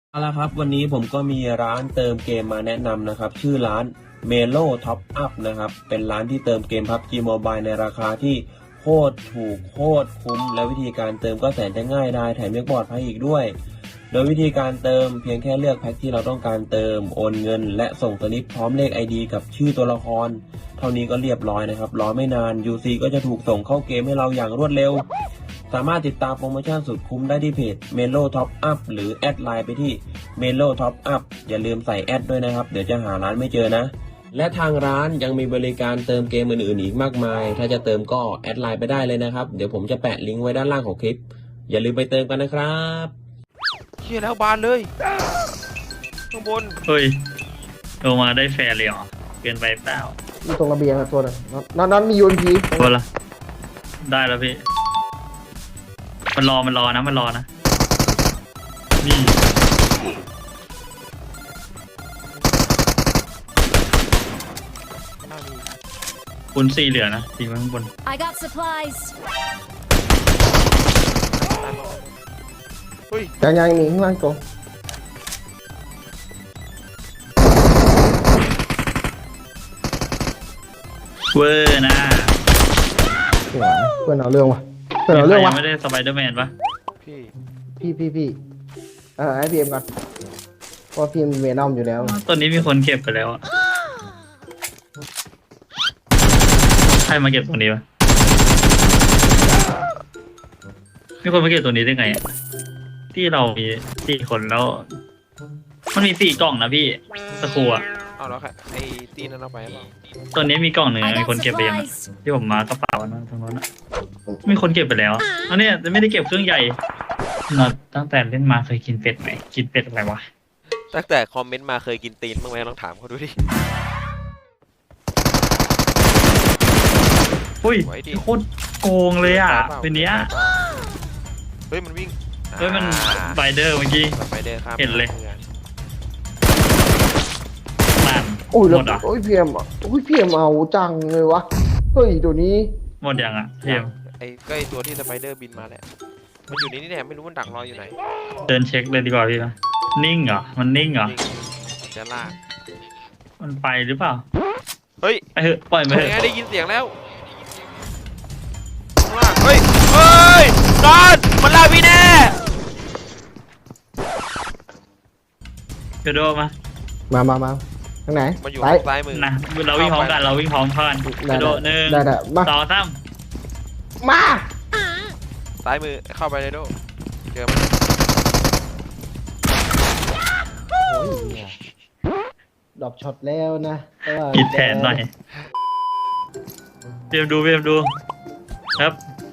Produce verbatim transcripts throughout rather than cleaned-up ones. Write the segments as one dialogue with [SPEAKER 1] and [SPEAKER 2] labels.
[SPEAKER 1] เอาละครับวันนี้ผมก็มีร้านเติมเกมมาแนะนำนะครับชื่อร้าน Melo Top Up นะครับเป็นร้านที่เติมเกม พับจี Mobile ในราคาที่โคตรถูกโคตรคุ้มและวิธีการเติมก็แสนจะง่ายได้แถมยังปลอดภัยอีกด้วยโดยวิธีการเติมเพียงแค่เลือกแพ็คที่เราต้องการเติมโอนเงินและส่งสลิปพร้อมเลข ไอ ดี กับชื่อตัวละครเท่านี้ก็เรียบร้อยนะครับรอไม่นาน ยู ซี ก็จะถูกส่งเข้าเกมให้เราอย่างรวดเร็วสามารถติดตามโปรโมชั่นสุดคุ้มได้ที่เพจ Melo Top Up หรือแอดไลน์ไปที่ Melo Top Up อย่าลืมใส่แอดด้วยนะครับเดี๋ยวจะหาร้านไม่เจอนะและทางร้านยังมีบริการเติมเกมอื่นๆอีกมากมายถ้าจะเติมก็แอดไลน์ไปได้เลยนะครับเดี๋ยวผมจะแปะลิงก์ไว้ด้านล่างของคลิปอย่าลืมไปเติมกันนะครับ
[SPEAKER 2] เชี่ยแล้วบานเลยข้างบน
[SPEAKER 3] เฮ้ยลงมาได้แฟร์เลยเหรอเกินไปเปล่า
[SPEAKER 4] อยู่ตรงระเบียงอะตัวนึงนอนนอนมียูนพี
[SPEAKER 3] ตัวละได้แล้วพี่มันรอมันรอนะมันรอนะนี่คุณสี่เหลือนะสี่ข้างบน
[SPEAKER 5] I got supplies
[SPEAKER 2] เฮ้ย
[SPEAKER 4] ยังยังมีข้างล่างตัว
[SPEAKER 3] เวอร์นะ
[SPEAKER 4] เพื่อนเอาเรื่องวะเพื่อนเอาเรื่องวะ
[SPEAKER 3] ไม่ได้สไปเดอร์แมนปะ
[SPEAKER 2] พี่
[SPEAKER 4] พี่พี่พี่เออไอพีเอ็มก่อนเพราะพีเอ็มเวนอมอยู่แล้ว
[SPEAKER 3] ตอนนี้มีคนเก็บไปแล้วอะใครมาเก็บตรงนี้ปะมีคนมาเก็บตัวนี้ได้ไงที่เรามีสี่คนแล้วมันมีสี่กล่องนะพี่สกูอ่ะ
[SPEAKER 2] เอาแล้วค่ะไอ้ตีนั่นเอาไปหรอ
[SPEAKER 3] ตัวนี้มีกล่องหนึ่งมีคนเก็บไปยังที่ผมมากระเป๋านะตรงนั้นมีคนเก็บไปแล้วอันนี้จะไม่ได้เก็บเครื่องใหญ่นอตั้งแต่เล่นมาเคยกินเป็ดไหมกินเป็ดอะไรวะ
[SPEAKER 2] ตั้งแต่คอมเมนต์มาเคยกินตีนบ้างไหมลองถามเขาดูดิ
[SPEAKER 3] อุ้ยโคตรโกงเลยอ่ะเป็นเนี้ย
[SPEAKER 2] เฮ้ยมันวิ่ง
[SPEAKER 3] เฮ้ยมันสไปเดอร์เมื่อกี้เห็นเลยมัน
[SPEAKER 4] โอ้ย
[SPEAKER 3] หมดอ่ะ
[SPEAKER 4] โอ้ยพีเอ็มอ่ะโอ้ยพีเอ็มเอาจังเลยวะเฮ้ยตัวนี้
[SPEAKER 3] หมดยังอ่ะพีเอ็ม
[SPEAKER 2] ไอ้ก็ไอ้ตัวที่สไปเดอร์บินมาแหละมันอยู่นี่นี่แหละไม่รู้มันดักรออยู่ไหน
[SPEAKER 3] เดินเช็คเลยดีกว่าพี่นะนิ่งเหรอมันนิ่งเหรอ
[SPEAKER 2] จะลาก
[SPEAKER 3] มันไปหรือเปล่า
[SPEAKER 2] เฮ้ย
[SPEAKER 3] ไปเถอะปล่อยมันเถอะ
[SPEAKER 2] ได้ยินเสียงแล้วเฮ้ยเฮ้ยนอนมันลาพี่แน่
[SPEAKER 3] กระโดดมา
[SPEAKER 4] มามามาทางไหน
[SPEAKER 2] มันอยู่ซ้ายมือ
[SPEAKER 3] นะเราวิ่งพร้อมกันเราวิ่งพร้อมกันกระโดดหนึ่งสองสาม
[SPEAKER 4] มา
[SPEAKER 2] ซ้ายมือเข้าไปเลยโดเจอมัน
[SPEAKER 4] ดอกช็อตแล้วนะ
[SPEAKER 3] กินแทนหน่อยเตรียมดูเตรียมดูครับ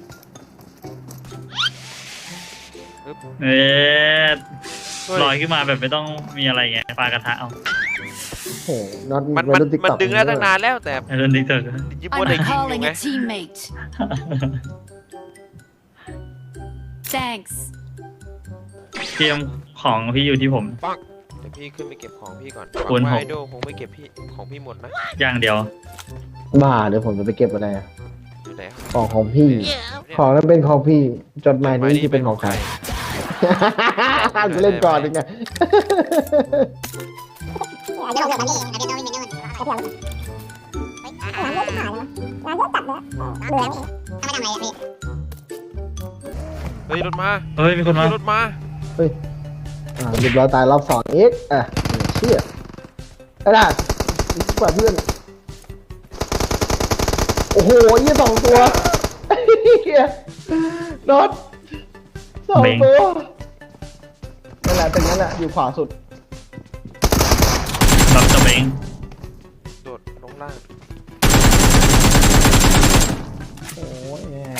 [SPEAKER 3] เอ๊ะลอยขึ้นมาแบบไม่ต้องมีอะไรเงี้ยปลากระทะเอา
[SPEAKER 4] โอ้นอน
[SPEAKER 2] มันมันมันดึงได้ตั้งนานแล้วแต่
[SPEAKER 3] เดินดิเตอร์
[SPEAKER 2] ยิบว่าได้ยิงอยู่ไง
[SPEAKER 5] Thanks
[SPEAKER 3] เตรียมของพี่อยู่ที่ผม
[SPEAKER 2] ปังเดี๋ยวพี่ขึ้นไปเก็บของพี่ก่อนคุณไฮโดคงไม่เก็บพี่ของพี่หมดนะ
[SPEAKER 3] อย่างเดียว
[SPEAKER 4] บ้าเดี๋ยวผมจะไปเก็บอะไร
[SPEAKER 2] อยู่ไหน
[SPEAKER 4] ของของพี่ของนั้นเป็นของพี่จดหมายนี้ที่เป็นของใครเล่นก่อนดิไง
[SPEAKER 2] เฮ้ยรถมา
[SPEAKER 3] เฮ้ยมีคนมาร
[SPEAKER 2] ถมา
[SPEAKER 4] เฮ้ยอ่าเรียบร้อยตายรอบสองเอ็กอ่ะเชี่ยไอ้ด่ากว่าเพื่อนโอ้โหยี่สองตัวเฮียน็อตสองตัวนั่นแหละเป็นนั่นแหละอยู่ขวาสุด
[SPEAKER 3] น็อตตัวเบง
[SPEAKER 2] โดดลงล่าง
[SPEAKER 4] โอ้ย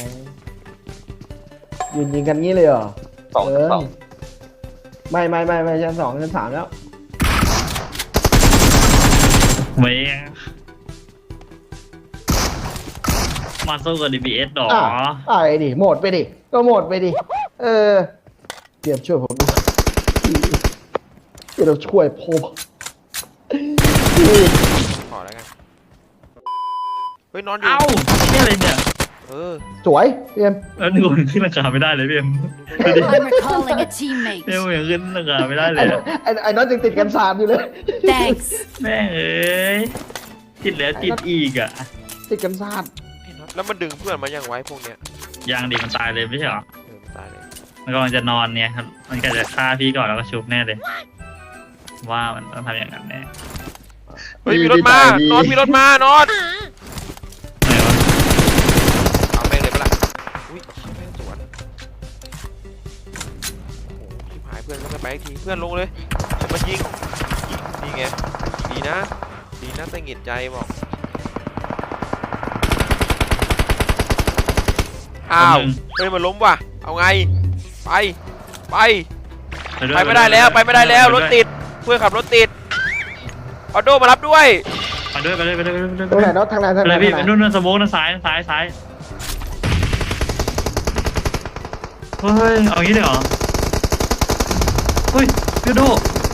[SPEAKER 4] ยืนยิงกันงี้เลยเหรอ
[SPEAKER 2] สองสอง
[SPEAKER 4] ไม่ไม่ไม่ไม่ชั้นสองชั้นสามแล้ว
[SPEAKER 3] เว้ยมาสู้กับ ดี บี เอส หรอ
[SPEAKER 4] ไอ้ดิโหมดไปดิก็โหมดไปดิเออเตรียมช่วยผมเดี๋ยวเราช่วยผม
[SPEAKER 2] ขอแล้วกันเฮ้ยนอนอยู่
[SPEAKER 3] เอ้านี่อะไรเนี่ย
[SPEAKER 2] เออ
[SPEAKER 4] สวยพี่เอ็ม
[SPEAKER 3] แล้วหนูขึ้นราคาไม่ได้เลยพี่เอ็ม
[SPEAKER 5] I'm recalling a teammate.
[SPEAKER 3] พี่เอ็มยังขึ้นราคาไม่ได้เล
[SPEAKER 4] ไอ้
[SPEAKER 3] ยอะ
[SPEAKER 4] ไอ้ไอ้น็อตยังติดกันสามอยู่เลย
[SPEAKER 5] Thanks.
[SPEAKER 3] แม่งเอ้ยติดแล้วติดอีกอ่ะ
[SPEAKER 4] ติดกันสาม
[SPEAKER 2] ไอ้น็อตแล้วมันดึงเพื่อนมายังไว้พวกเนี้ย
[SPEAKER 3] ยางดีมันตายเลยไม่ใช่เหรอ
[SPEAKER 2] เออมันตายเลย
[SPEAKER 3] มันกำลังจะนอนเนี่ยครับมันก็จะฆ่าพี่ก่อนแล้วก็ชุบแน่เลย ว่ามันต้องทำอย่างนั้นแน่
[SPEAKER 2] เฮ้ยมีรถมานอนมีรถมานอน
[SPEAKER 3] ไหนวะ
[SPEAKER 2] เอาแม่งเลยปะล่ะอุ้ยแม่งสวนโอ้โหชิบหายเพื่อนก็ไม่ไปอีกทีเพื่อนลงเลยจะมายิงนี่ไงดีนะดีนะแต่หงิดใจบอกอ้าวเฮ้ยมันล้มว่ะเอาไงไปไปไปไม่ได้แล้วไปไม่ได้แล้วรถติดเพื่อนขับรถติดออโดมารับด้วย
[SPEAKER 3] ไปด้วยไปด้วยไปด้วยไปด้วย
[SPEAKER 4] ตรงไหนน็อตทางไหนทาง
[SPEAKER 3] ไป
[SPEAKER 4] ไหน
[SPEAKER 3] เลยพี่
[SPEAKER 4] ทาง
[SPEAKER 3] ไป
[SPEAKER 4] ไหน
[SPEAKER 3] นู่นนู่นสโมกนะซ้ายซ้ายซ้ายเฮ้ยเอางี้เลยเหรอเฮ้ยพี่โด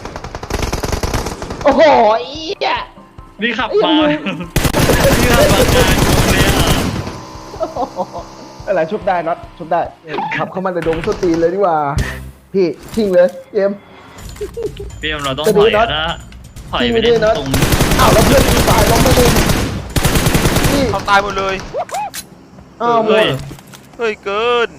[SPEAKER 4] โอ้โหอีอ่ะ
[SPEAKER 3] นี่ขับมานี่ขับมากลางวงเลยอ่ะ
[SPEAKER 4] อะไรชุบได้น็อตชุบได้ขับเข้ามาในดงส้นตีนเลยดีกว่า พี่ทิ้งเลยเอ็ม
[SPEAKER 3] พี่เอ็มเราต้องถอยนะถอยไปเล่นตรง
[SPEAKER 4] อ้าวแล้วเพื่อนมีฝ่ายล้มไปเลยนี่
[SPEAKER 2] เขาตายหมดเลย
[SPEAKER 4] อ้าวหม
[SPEAKER 3] เฮ้
[SPEAKER 4] ด
[SPEAKER 3] ย
[SPEAKER 2] เฮ้ยเกิน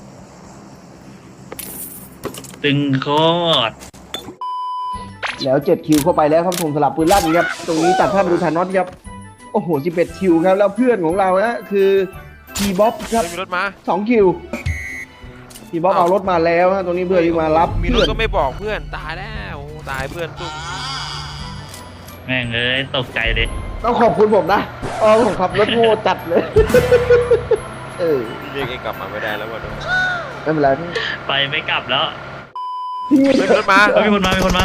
[SPEAKER 3] ตึงโคตร
[SPEAKER 4] แล้วเจ็ดคิวเข้าไปแล้วครับผมสลับปืนลั่นครับตรงนี้ตัดภาพดูทานน็อตครับโอ้โหสิบเอ็ดคิวครับแล้วเพื่อนของเรานะคือทีบ๊อบครับ
[SPEAKER 2] เฮ้ยมีรถมา
[SPEAKER 4] สองคิวทีบ๊อบเอารถมาแล้วฮะตรงนี้เพื่อนที่มารับ
[SPEAKER 2] มีร
[SPEAKER 4] เพื่
[SPEAKER 2] ถ
[SPEAKER 4] อน
[SPEAKER 2] ก็ไม่บอกเพื่อนตายแล้วโอ้ตายเพื่อนตุ้ม
[SPEAKER 3] แม่งเอ้ยตกใจเลย
[SPEAKER 4] ต้องขอบคุณผมนะอ๋อผมขับรถโง่จัดเลย เออ
[SPEAKER 2] พี่เรียกเองกลับมาไม่ได้แล้วว่ะ
[SPEAKER 4] ไม่เป็นไรพี่
[SPEAKER 3] ไปไม่กลับแล้ว
[SPEAKER 4] พี่
[SPEAKER 2] เฮ้ยมีรถมา
[SPEAKER 3] เฮ้ยมีคนมามีคนมา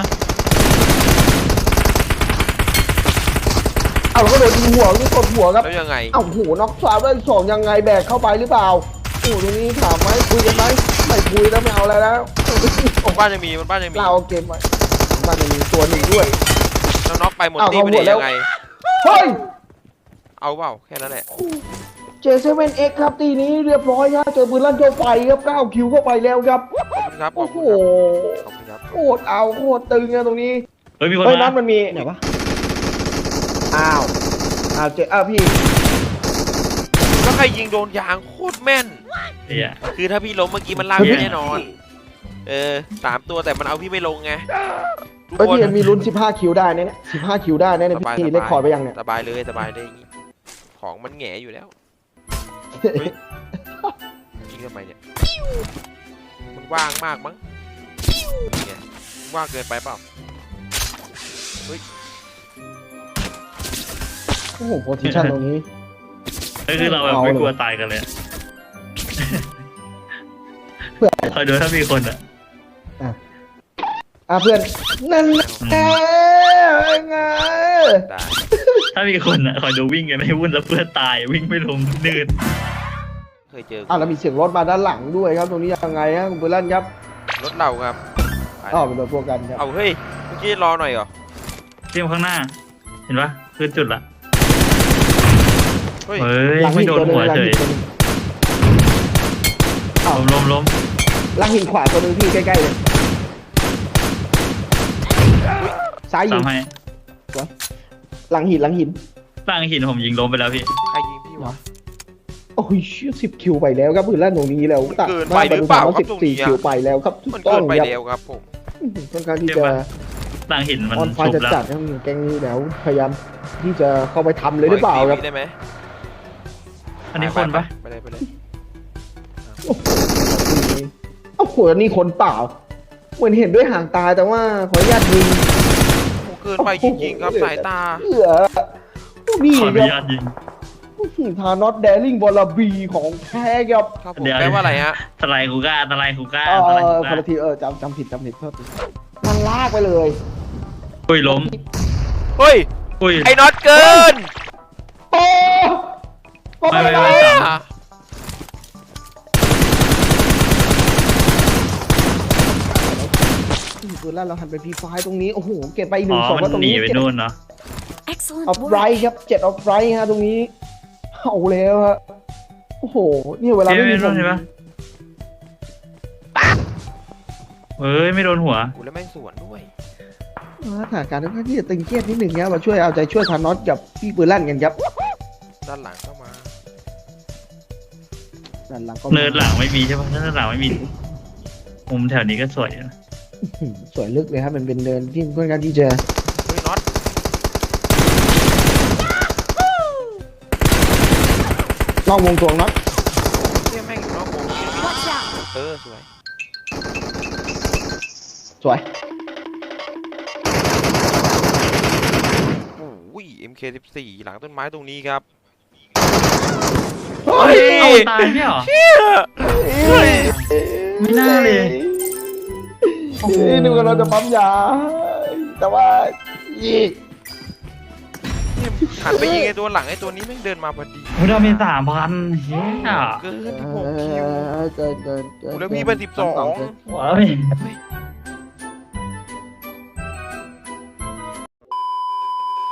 [SPEAKER 4] เอาแล้วก็โดนยิงหัวนี่กดหัวครับ
[SPEAKER 2] แล้วยังไง
[SPEAKER 4] เอ้าโหน็อกสามได้สองยังไงแบกเข้าไปหรือเปล่าโอ้โหตรงนี้ถามไหมคุยกันไหมไม่คุยแล้วไม่เอาอะไรแล้ว
[SPEAKER 2] บนบ้านยังมีบนบ้านยังมี
[SPEAKER 4] เราเอาเกมไว้บ้านยังมีตัวหนึ่งด้วย
[SPEAKER 2] แล้วน็อกไปหมด
[SPEAKER 4] อ้าว
[SPEAKER 2] ตี
[SPEAKER 4] เขา
[SPEAKER 2] ไป
[SPEAKER 4] หม
[SPEAKER 2] ได้
[SPEAKER 4] ดแล้ว
[SPEAKER 2] ยังไง
[SPEAKER 4] เฮ้ย
[SPEAKER 2] เอาเปล่าแค่นั้นแหละ
[SPEAKER 4] เจเซเว่นเอ็กครับตีนี้เรียบร้อยครับเจอปืนลั่นเจอไฟครับเก้าคิวเข้าไปแล้วครับ
[SPEAKER 2] ขอบคุณครับขอ
[SPEAKER 4] โอ้
[SPEAKER 2] บ
[SPEAKER 4] โห
[SPEAKER 2] คุณครับขอบคุณครับ
[SPEAKER 4] โคตรเอาโคตรตึงอะตรงนี้
[SPEAKER 3] เฮ้ยมีคน
[SPEAKER 4] เฮ้ย
[SPEAKER 3] มา
[SPEAKER 4] นัดมันมีไหนวะอ้าวอ้าวเจอ้าวพี่
[SPEAKER 2] แล้วใครยิงโดนยางโคตรแม่น
[SPEAKER 3] เฮีย
[SPEAKER 2] คือถ้าพี่ล้มเมื่อกี้มันลากพี่แน่นอน เออสามตัวแต่มันเอาพี่ไม่ลงไงทุก
[SPEAKER 4] เฮ้ย
[SPEAKER 2] คน
[SPEAKER 4] พี่มีลุ้นสิบห้าคิวได้เนี่ยสิบห้าคิวได้เนี่ย
[SPEAKER 2] สบาย
[SPEAKER 4] พี่
[SPEAKER 2] ส
[SPEAKER 4] เล็ก
[SPEAKER 2] บาย
[SPEAKER 4] คอร์ดไปยังเนี่ย
[SPEAKER 2] สบายเลยสบายเลยอย่างงี้ของมันแหง่อยู่แล้วเฮ้ยยิงทำไมเนี่ยมันว่างมากมั้งนี่ไงว่างเกินไปเปล่า
[SPEAKER 4] โอ้โหโพซิชั่นตรงนี้
[SPEAKER 3] เฮ้ยคือเราแบบ
[SPEAKER 4] เอา
[SPEAKER 3] ไม่
[SPEAKER 4] เลย
[SPEAKER 3] กลัวตายกันเลยอะ
[SPEAKER 4] เพื่อน
[SPEAKER 3] คอยดูถ้ามีคนอ่ะ
[SPEAKER 4] อ่ะเพื่อนนั่นแหละไง
[SPEAKER 2] ได้
[SPEAKER 3] ถ้ามีคนอ่ะคอยดูวิ่งกันให้วุ่นแล้วเพื่อนตายวิ่งไม่ลงนืด
[SPEAKER 2] เคยเจอ
[SPEAKER 4] อ่ะแล้วมีเสียงรถมาด้านหลังด้วยครับตรงนี้ยังไงฮะคุณเบลลันครับ
[SPEAKER 2] รถเราครับไป
[SPEAKER 4] อ๋อเป็นรถพวกกันครับ
[SPEAKER 2] เอาเฮ้ยเมื่อกี้รอหน่อยเหรอ
[SPEAKER 3] เทียมข้างหน้า เห็นปะคือจุดละ
[SPEAKER 2] เฮ้ย
[SPEAKER 3] เฮ้ย
[SPEAKER 4] หลัง
[SPEAKER 3] ไม่
[SPEAKER 4] หิน
[SPEAKER 3] โด
[SPEAKER 4] ตัวน หนึง
[SPEAKER 3] หัว
[SPEAKER 4] หลัง
[SPEAKER 3] เฉ
[SPEAKER 4] หิ
[SPEAKER 3] ย
[SPEAKER 4] นตัวหนึงอ้าว
[SPEAKER 3] ล้มล้มล้ม
[SPEAKER 4] หลังหินขวาตัวหนึงพี่ใกล้ๆเลยซ้ายยิ
[SPEAKER 3] ตาง มให้
[SPEAKER 4] หลังหินหลังหิน
[SPEAKER 3] ตั้งหินผมยิงล้มไปแล้วพี่
[SPEAKER 2] ใครยิงพี่วะ
[SPEAKER 4] โอ้ยสิบคิวไปแล้วครับเบลลันตรงนี้แล้วตัด
[SPEAKER 2] เกินไปหรือเปล่าครับ
[SPEAKER 4] สิบ
[SPEAKER 2] ตรง
[SPEAKER 4] สี่
[SPEAKER 2] นี้อะ
[SPEAKER 4] คิวไปแล้วครับถู
[SPEAKER 2] มัน
[SPEAKER 4] กต้
[SPEAKER 2] เกิ
[SPEAKER 4] อง
[SPEAKER 2] นไป
[SPEAKER 4] ครับ
[SPEAKER 2] แล้วครับผม
[SPEAKER 4] ต้องการที่
[SPEAKER 3] เจ็บ
[SPEAKER 4] จะ
[SPEAKER 3] ปะ ตั้งหินมัน
[SPEAKER 4] ออนไฟ
[SPEAKER 3] ชุบ
[SPEAKER 4] จะ
[SPEAKER 3] แล้ว
[SPEAKER 4] จัดครับแกงนี้แล้วพยายามที่จะเข้าไปทำเลยหรือเปล่าครับ
[SPEAKER 2] ขกทีได้ไหม
[SPEAKER 3] อันนี้คนปะ
[SPEAKER 2] ไปเลยไปเลย
[SPEAKER 4] โอ้โหนี่คนเปล่า เหมือนเห็นด้วยห่างตาแต่ว่าขออนุญาตยิง
[SPEAKER 2] โอ้เกินไปจริงๆครับสายตา
[SPEAKER 4] เหลือนี่
[SPEAKER 3] ขออ
[SPEAKER 4] ค
[SPEAKER 3] นุ
[SPEAKER 4] รับ
[SPEAKER 3] ญาตยิง
[SPEAKER 4] ทานอตแดริงบอลบีของแท้ครับ
[SPEAKER 2] ครับผม
[SPEAKER 3] เดี๋ยว
[SPEAKER 2] แปลว่าอะไรฮะ
[SPEAKER 3] สไลด์คูก้าสไลด์คูก้า
[SPEAKER 4] เอ
[SPEAKER 3] สไลด์
[SPEAKER 4] อ
[SPEAKER 3] คู
[SPEAKER 4] ค
[SPEAKER 3] ก้าน
[SPEAKER 4] ละทีเออจำจำผิดจำผิดโทษทีมันลากไปเลย
[SPEAKER 3] อุ้ยล้ม
[SPEAKER 2] เฮ้ย
[SPEAKER 3] อุ้ย
[SPEAKER 2] ไอ้น็อตเกิน
[SPEAKER 4] โอ้ก็
[SPEAKER 3] ไม่
[SPEAKER 4] ไม่
[SPEAKER 3] ไม่
[SPEAKER 4] ได้
[SPEAKER 3] ไม่สาม
[SPEAKER 2] อ่ะ
[SPEAKER 4] คือแล้วเราหันไปพีไฟตรงนี้ โอ้โห เก็บไปอีกห
[SPEAKER 3] อ๋
[SPEAKER 4] นึ่
[SPEAKER 3] อง
[SPEAKER 4] ศพ
[SPEAKER 3] มั
[SPEAKER 4] แล้วต
[SPEAKER 3] น
[SPEAKER 4] รง
[SPEAKER 3] หนี
[SPEAKER 4] นี้
[SPEAKER 3] ไป
[SPEAKER 4] เจ็ด
[SPEAKER 3] นู่นเนาะ
[SPEAKER 5] Excellent
[SPEAKER 4] ออฟไร
[SPEAKER 5] work.
[SPEAKER 4] ครับเจ็ดออฟไรฮะตรงนี้เอาแล้วฮะโอ้โหเนี่ยเวลาไม่มี
[SPEAKER 3] ไม่โดนเห็นปะเอ้ยไม่โดนหัว
[SPEAKER 2] กูแล้วแม่งสวนด้วย
[SPEAKER 4] สถานการณ์ค่อนข้างที่จะตึงเครียดนิดหนึ่งครับมาช่วยเอาใจช่วยทานอสกับพี่ปืนลั่นกันครับ
[SPEAKER 2] ด้านหลังเข้ามา
[SPEAKER 4] ด้านหลังก็
[SPEAKER 3] เนินหลังไม่มีใช่ปะถ้าเนินหลังไม่มีมุมแถวนี้ก็สวยนะ
[SPEAKER 4] สวยลึกเลยครับมันเป็นเดินที่ค่อนข้างที่จะ
[SPEAKER 2] เฮ้ยน็อต
[SPEAKER 4] นอกวงตวงน็อต
[SPEAKER 2] เนี่ยแม่งอยู่นอกวง
[SPEAKER 5] Watch out!
[SPEAKER 2] เออสวย
[SPEAKER 4] สวย
[SPEAKER 2] โอ้ย เอ็ม เค สิบสี่ หลังต้นไม้ตรงนี้ครับ
[SPEAKER 4] เฮ้ย
[SPEAKER 3] เอาตายไม่เหรอ ไม่น่าเลย โอ้โห
[SPEAKER 4] นี่ดูกันเราจะปั๊มยา แต่ว่าอี
[SPEAKER 2] เนี่ยหันไปยิงไอ้ตัวหลังไอ้ตัวนี้แม่งเดินมาพอดี
[SPEAKER 3] โอ้ยเรามีสามพันเฮีย
[SPEAKER 2] เกินที่หกคิว
[SPEAKER 4] เกินเกินเกิน
[SPEAKER 2] แล้วพี่เป็นสิบสอง
[SPEAKER 3] ว้าว